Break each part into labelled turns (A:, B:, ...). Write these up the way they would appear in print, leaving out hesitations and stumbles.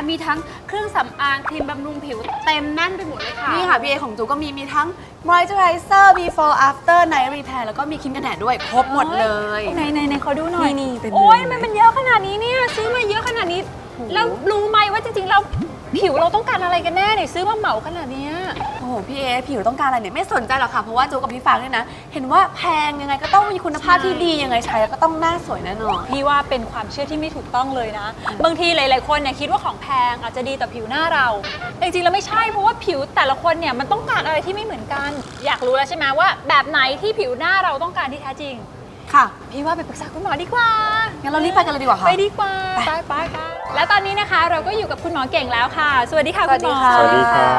A: มีทั้งเครื่องสำอางครีมบำรุงผิวเต็มแน่นไปหมดเลยค่ะ
B: นี่ค่ะพี่เอของจูก็มีทั้ง moisturizer before after night repair แล้วก็มีครีมกันแดดด้วยครบหมดเลย
A: ในขอดูหน่อย
B: นี่เป็น
A: โอ้ยมันเยอะขนาดนี้เนี่ยซื้อมาเยอะขนาดนี้แล้วรู้ไหมว่าจริงๆเราผิวเราต้องการอะไรกันแน่เนี่ยซื้อมาเหมาขนาดเนี้ย
B: โอ้โหพี่เอผิวต้องการอะไรเนี่ยไม่สนใจหรอกค่ะเพราะว่าจูกับพี่ฟางเนี่ยนะเห็นว่าแพงยังไงก็ต้องมีคุณภาพที่ดียังไงใช้ก็ต้องหน้าสวยแน่นอน
A: พี่ว่าเป็นความเชื่อที่ไม่ถูกต้องเลยนะ บางทีหลายๆคนเนี่ยคิดว่าของแพงอาจจะดีต่อผิวหน้าเราจริงๆแล้วไม่ใช่เพราะว่าผิวแต่ละคนเนี่ยมันต้องการอะไรที่ไม่เหมือนกัน อยากรู้แล้วใช่ไหมว่าแบบไหนที่ผิวหน้าเราต้องการที่แท้จริง
B: ค่ะ
A: พี่ว่าไปปรึกษาคุณหมอดีกว่า
B: งั้นเรารีบไปกันเลยดีกว่าค่ะ
A: ไปดีกว่าไปแล้วตอนนี้นะคะเราก็อยู่กับคุณหมอเก่งแล้วค่ะ สวัสดีค่ะคุณหมอ
C: สวัสดีครับ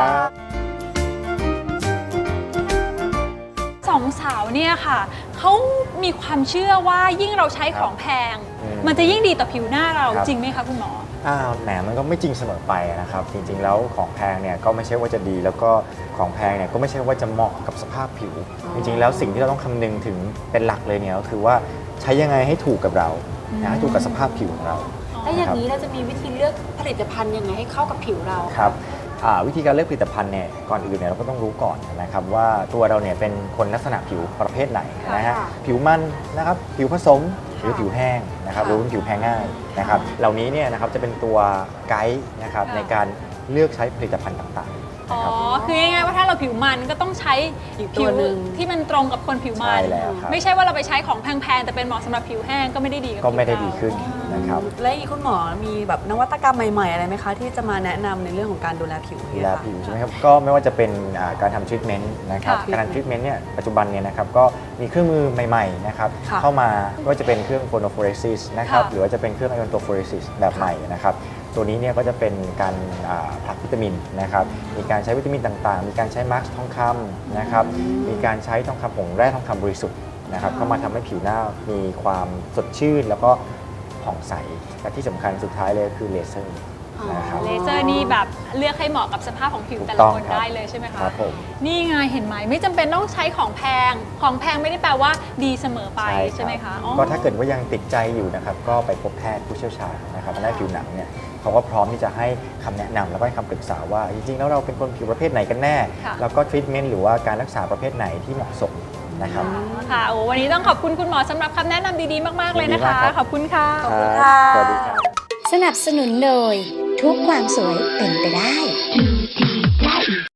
A: สองสาวเนี่ยค่ะเขามีความเชื่อว่ายิ่งเราใช้ของแพงมันจะยิ่งดีต่อผิวหน้าเราจริงไหมคะคุณหมอ
C: แหมมันก็ไม่จริงเสมอไปนะครับจริงๆแล้วของแพงเนี่ยก็ไม่ใช่ว่าจะดีแล้วก็ของแพงเนี่ยก็ไม่ใช่ว่าจะเหมาะกับสภาพผิวจริงๆแล้วสิ่งที่เราต้องคำนึงถึงเป็นหลักเลยเนี่ยก็คือว่าใช้ยังไงให้ถูกกับเราให้ถูกกับสภาพผิวของเรา
B: แล้วอย่างนี้เราจะมีวิธีเลือกผลิตภัณฑ์ยังไงให้เข้ากับผิวเรา
C: ครับวิธีการเลือกผลิตภัณฑ์เนี่ยก่อนอื่นเนี่ยเราก็ต้องรู้ก่อนนะครับว่าตัวเราเนี่ยเป็นคนลักษณะผิวประเภทไหนนะฮะผิวมันนะครับผิวผสมหรือผิวแห้งนะครับหรือผิวแพ้ง่ายนะครับเหล่านี้เนี่ยนะครับจะเป็นตัวไกด์นะครับในการเลือกใช้ผลิตภัณฑ์ต่างๆ
A: อ๋อคือง่ายๆว่าถ้าเราผิวมันก็ต้องใช้ผิวที่มันตรงกับคนผิวมันไม่ใช่ว่าเราไปใช้ของแพงๆแต่เป็นเหมาะสำหรับผิวแห้งก็ไม่ได้ดี
C: ก็ไม่ได้ดีขึ้นนะครับ
B: และอีกคุณหมอมีแบบนวัตกรรมใหม่ๆอะไรไหมคะที่จะมาแนะนำในเรื่องของการดูแลผิว
C: ดูแลผิวใช่ไหมครับก็ไม่ว่าจะเป็นการทำทรีทเมนต์นะครับการทำทรีทเมนต์เนี่ยปัจจุบันเนี่ยนะครับก็มีเครื่องมือใหม่ๆนะครับเข้ามาก็จะเป็นเครื่องโฟโนโฟเรซิสนะครับหรือว่าจะเป็นเครื่องไอออนโตโฟเรซิสแบบใหม่นะครับตัวนี้เนี่ยก็จะเป็นการผลักวิตามินนะครับมีการใช้วิตามินต่างๆมีการใช้มาร์กทองคำนะครับมีการใช้ทองคำผงแร่ทองคำบริสุทธิ์นะครับเข้ามาทำให้ผิวหน้ามีความสดชื่นแล้วก็ผ่องใสและที่สำคัญสุดท้ายเลยคือเลเซอร์นะครับ
A: เลเซอร์นี่แบบเลือกให้เหมาะกับสภาพของผิวแต่ละคนได้เลยใช่ไหมคะ
C: ครับผม
A: นี่ไงเห็นไหมไม่จำเป็นต้องใช้ของแพงไม่ได้แปลว่าดีเสมอไปใช่ไหมคะ
C: ก็ถ้าเกิดว่ายังติดใจอยู่นะครับก็ไปพบแพทย์ผู้เชี่ยวชาญนะครับด้านผิวหนังเนี่ยเขาก็พร้อมที่จะให้คำแนะนำแล้วก็ให้คำปรึกษาว่าจริงๆแล้วเราเป็นคนผิวประเภทไหนกันแน่แล้วก็ทรีทเมนต์หรือว่าการรักษาประเภทไหนที่เหมาะสมนะครับ
A: ค่ะโอ้วันนี้ต้องขอบคุณคุณหมอสำหรับคำแนะนำดีๆมากๆเลยนะคะขอบคุณค่ะ
B: ขอบคุณค่ะ
C: สวัสดีครับ
D: สนับสนุนโดยทุกความสวยเป็นไปได้